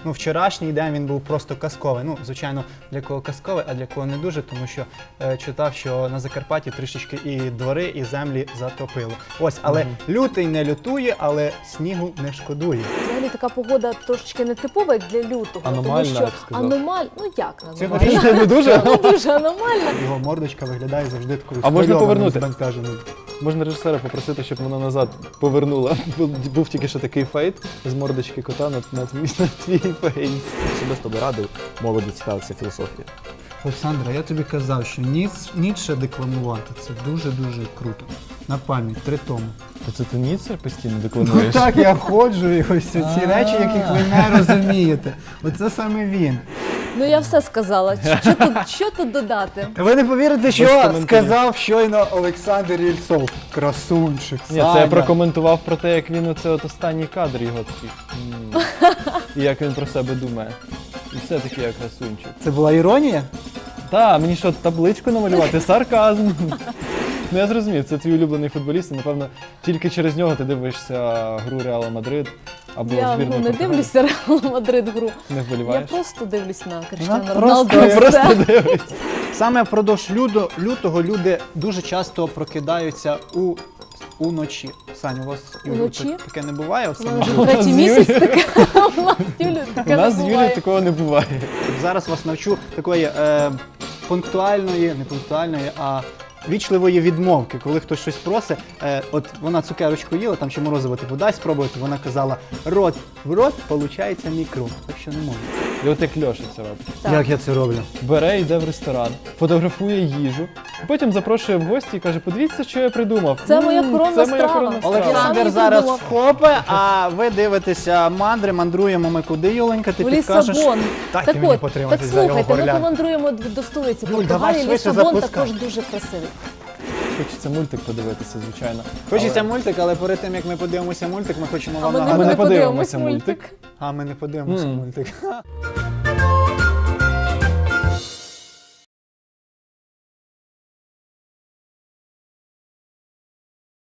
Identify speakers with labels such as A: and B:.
A: ну, вчорашній день він був просто казковий. Ну, звичайно, для кого казковий, а для кого не дуже, тому що читав, що на Закарпатті трішечки і двори, і землі затопило. Ось, але лютий не лютує, але снігу не шкодує.
B: Взагалі така погода трошечки нетипова, як для лютого.
C: Аномальна,
B: тому
C: я б
B: що
C: сказав.
B: ну як
A: Цьогоріч
B: аномальна?
C: Не дуже?
B: Не дуже аномальна.
A: його мордочка виглядає завжди такою
C: А можна
A: схвильованою,
C: повернути?
A: збентеженою.
C: Можна режисера попросити, щоб вона назад повернула. Був тільки що такий фейт з мордочки кота на твій фейс.
D: Особисто би радив молоді цікавитися філософією.
A: Олександра, я тобі казав, що Ніцше декламувати – це дуже-дуже круто. На пам'ять, 3 томи.
C: То це ти Ніцше постійно
A: Ну
C: декламуєш?
A: так, я ходжу і ось ці речі, яких ви не розумієте. Оце саме він.
B: Ну я все сказала. Що тут додати?
A: Ви не повірите, що
C: коментарів.
A: сказав щойно Олександр Єльцов. Красунчик,
C: Ні, це я прокоментував про те, як він оце от останній кадр його такий. І як він про себе думає. І все таки як красунчик.
A: Це була іронія?
C: Та, мені що, табличку намалювати? Сарказм. Ну я зрозумів, це твій улюблений футболіст, і напевно тільки через нього ти дивишся гру Реала Мадрид або
B: Я
C: збірну
B: не
C: Португалії.
B: дивлюся Реал Мадрид гру.
C: Не
B: Я
C: вболіваєш?
B: просто дивлюсь на Кріштіану
A: просто-
B: Роналду. і
C: Просто
B: все.
C: дивишся.
A: Саме впродовж лютого люди дуже часто прокидаються уночі. Саня, у вас Юлю,
B: Уночі?
A: таке не буває?
B: У
A: Оце
B: мене
A: може-
B: вже третій
C: з
B: місяць таке. У нас з Юлею
C: У
B: таке
C: нас з
B: не
C: Юлією
B: буває.
C: такого не буває.
A: Зараз вас навчу такої пунктуальної, не пунктуальної, а вічливої відмовки. Коли хтось щось просить, от вона цукерочку їла, там ще морозиво типу дай спробувати, вона казала рот в рот, получається мікро. Так що не можу.
C: І от як Льоша це робить.
B: Так.
A: Як я це роблю?
C: Бере, йде в ресторан, фотографує їжу, потім запрошує в гості і каже, подивіться, що я придумав.
B: Це моя коронна
C: це моя
B: страва.
C: коронна страва.
A: Олександр
B: Сам
A: зараз
B: придумав.
A: вхопе, а ви дивитеся мандри, мандруємо ми куди, Юленька, ти
B: В
A: підкажеш?
B: Лісабон.
A: Дайте
B: Так
A: мені
B: от, так
A: потриматись за його
B: слухайте, ми
A: горлянку.
B: помандруємо до столиці
A: Юль, давай
B: Португалії.
A: швидше
B: Лісабон
A: запускай.
B: також дуже красивий.
C: Хочеться мультик подивитися, звичайно.
A: Хочеться мультик, але перед тим, як ми подивимося мультик, ми хочемо
B: А
A: вам
B: ми
A: нагадати.
B: не
C: подивимося
B: подивимось мультик.
A: А ми не подивимося мультик.